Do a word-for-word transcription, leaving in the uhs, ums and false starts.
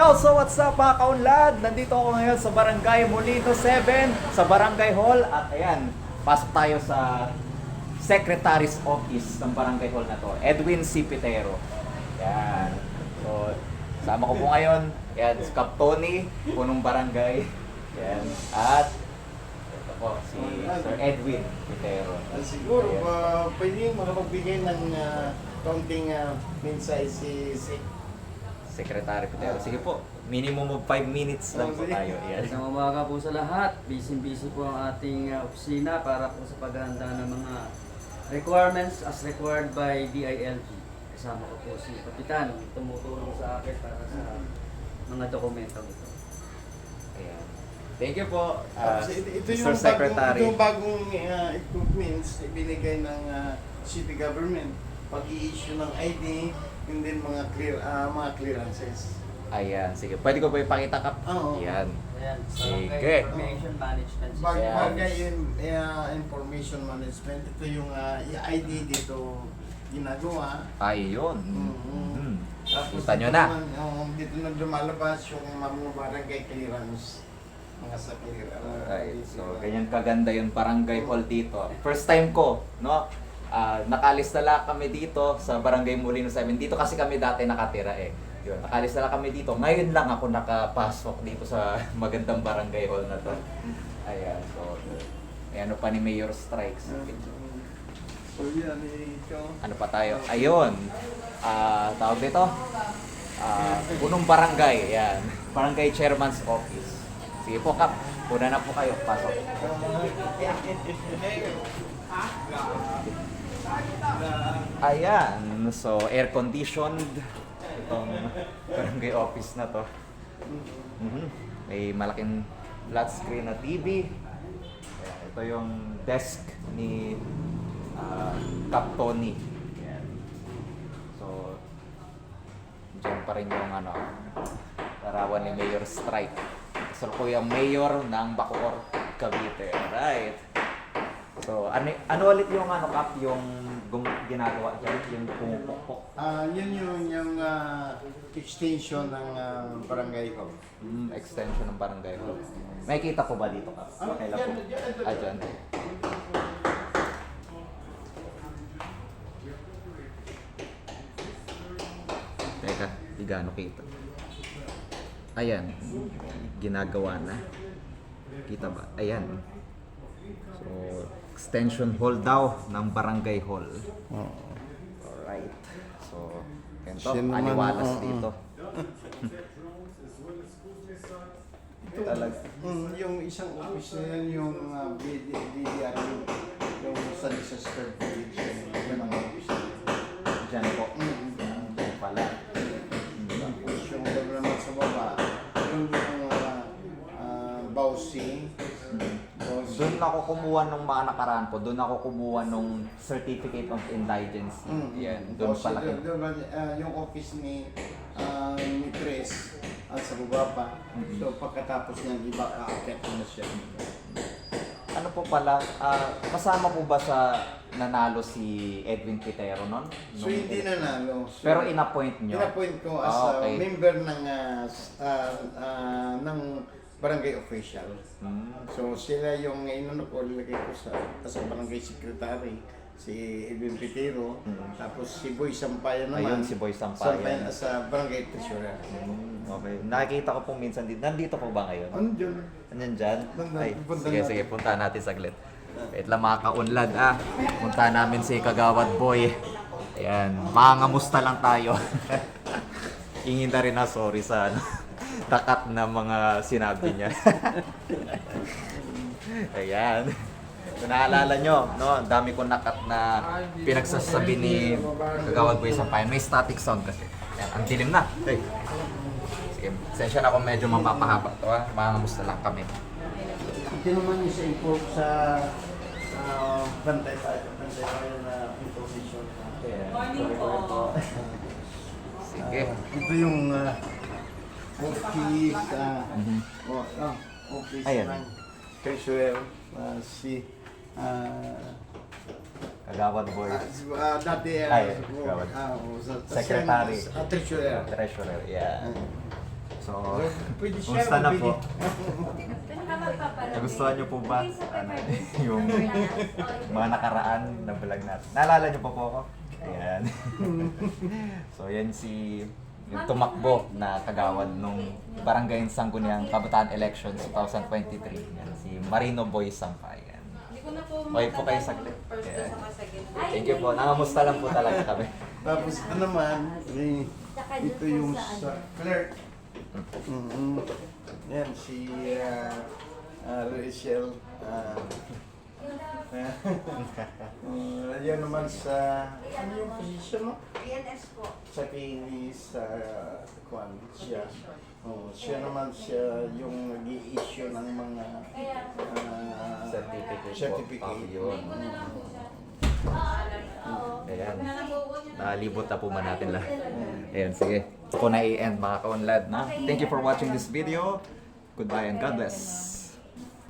Yo, so what's up mga kaunlad? Nandito ako ngayon sa Barangay Molino seven, sa Barangay Hall. At ayan, pasok tayo sa Secretary's Office ng Barangay Hall na to, Edwin C. Pitero. Yan. So, sama ko po ngayon, yan, si Kap Tony, punong barangay. Yan. At ito po, si Sir Edwin Pitero. Uh, siguro, Ayan. uh, pwede makapagbigay ng uh, kaunting uh, mensahe si, si Secretary Pitero. Sige po, minimum of five minutes lang po tayo. Yan. Isang umaga po sa lahat. Busy-busy po ang ating uh, opisina para po sa paghahanda ng mga requirements as required by D I L G. Kasama ko po si Kapitan, tumutulong sa akin para sa mga dokumento ito. Ayan. Thank you po, uh, Tapos ito, ito Mister yung Secretary. bagong, ito yung bagong uh, equipments na binigay ng uh, city government. Pag-i-issue ng I D, and then mga clear uh, mga clearances. Ayan, sige. Pwede ko ba ipakita, Kap? Oo. Ayan. Ayan, sa Sige. Barangay Information Management System. Bag, Yeah. bagay in, uh, information management, ito yung uh, I D dito ginagawa. Ay, yun. Mhm. Mhm. Tapos Kita nyo dito na. naman, um, dito na lumalabas yung mga barangay clearance. Mga sa clearance. Alright, so ganyan kaganda yung barangay hall dito. First time ko, no? Ah, nakalis na lang kami dito sa Barangay Molino seven. Dito kasi kami dati nakatira eh. Yun, nakalis na lang kami dito. Ngayon lang ako nakapasok dito sa magandang barangay hall na to. Ayan, so may ano pa ni Mayor Strikes. So yan, ito. Ano pa tayo? Ayun. Ah, tawag dito? Ah, punong barangay. Ayan. Barangay Chairman's Office. Sige po, Kap. Una na po kayo. Pasok. Ayan. So, air-conditioned. Itong barangay office na to. Mhm. May malaking flat screen na T V. Ayan. Ito yung desk ni uh, Kap Tony. Ayan. So, dyan pa rin yung ano, larawan ni Mayor Strike. So, ko yung mayor ng Bacoor, Cavite. Alright. So, ano, ano ulit yung ano, Kap, yung gum, ginagawa dyan, yung pumupukpok? Ah, yun yung, yung ah, extension ng ah, barangay ko. Mm, extension ng barangay hall. May kita po ba dito, Kap? Okay lang po. Ah, dyan. Teka, di gaano kita. Ayan, ginagawa na. Kita ba? Ayan. So, extension hall daw ng barangay hall. Alright. So, ganito, Siya naman, aliwalas oo. dito. Talaga. Mm, yung isang office na yan, yung uh, B D R, yung sa disaster prevention, yung mga office na yan. Diyan po. Mm. Diyan pala. Tapos yung naman sa baba, yung uh, uh, Bausi. Bausi. Doon ako kumuha nung mga nakaraan po. Doon ako kumuha nung Certificate of Indigency. Mm. Yan. Doon Bausi, pala. doon- doon, uh, yung office ni uh, ni Tres at sa baba pa. Mhm. So pagkatapos niyan, iba aakyat na siya. Ano po pala, ah, kasama po ba sa nanalo si Edwin Pitero noon? So hindi na nalo. So, Pero in-appoint nyo? In-appoint ko as Ah, a okay. member ng uh, s- ah, ah, ng barangay official. Hmm. So sila yung inano ko, nilagay ko sa as a barangay secretary, si Edwin Pitero, Mm. tapos si Boy Sampayan naman. Ayun, si Boy Sampayan. Sampayan as a barangay treasurer. Hmm, okay. Nakikita ko po minsan dito. Nandito po ba ngayon? Ano dyan? Andyan dyan? Nandun, Ay, pupunta sige, natin. sige. Punta natin saglit. Wait lang mga kaunlad ah. Punta namin si Kagawad Boy. Ayan. Mangamusta lang tayo. Ingin na rin na sorry sa ano, takat na mga sinabi niya. Ayan. Kung naalala nyo, no, ang dami kong nakat na pinagsasabi ni Kagawad Boy Sampayan. May static sound kasi. Ayan, ang dilim na. Hey. Sige, sensya na kung medyo mapapahaba to ha. Mangamusta lang kami. Ito naman yung sa import sa uh, bantay tayo, bantay tayo na information. Morning po. Sige. Ah, ito yung uh, office, uh, Mhm. oh, ah, office Ayan. ng treasurer, uh, si uh, Kagawad Boy. uh, dati uh, Ay, oh, Kagawad. ah, oh, sa- Secretary. uh, treasurer. Treasurer, yeah. Ah. So, Pwede siya. kumusta na po? Nagustuhan Nagustuhan niyo po ba ano, yung mga nakaraan na vlog natin? Naalala niyo pa po ako? Ayan. So, yan si yung tumakbo na kagawad nung Barangay Sangguniang Kabataan Elections twenty twenty-three. Yan, si Marino Boy Sampay. Yan. Hindi ko na po Okay po kayo matandaan saglit. kung first Yeah. ko sa kasagin. Thank you po. Nangamusta lang po talaga kami. Tapos ito naman, eh, ito yung sa clerk. Mm-hmm. Yan, si uh, uh, Rachel. Uh, uh, yan naman sa, ano yung position mo? P N S po. Sa Pinis, sa Kwan, siya. Oh, siya naman siya yung nag-i-issue ng mga uh, Certificate po. certificate. Ah, yun. Ayan. Nalibot na po man natin lahat. Ayan, sige. Ako na i-end mga kaunlad na. Thank you for watching this video. Goodbye and God bless.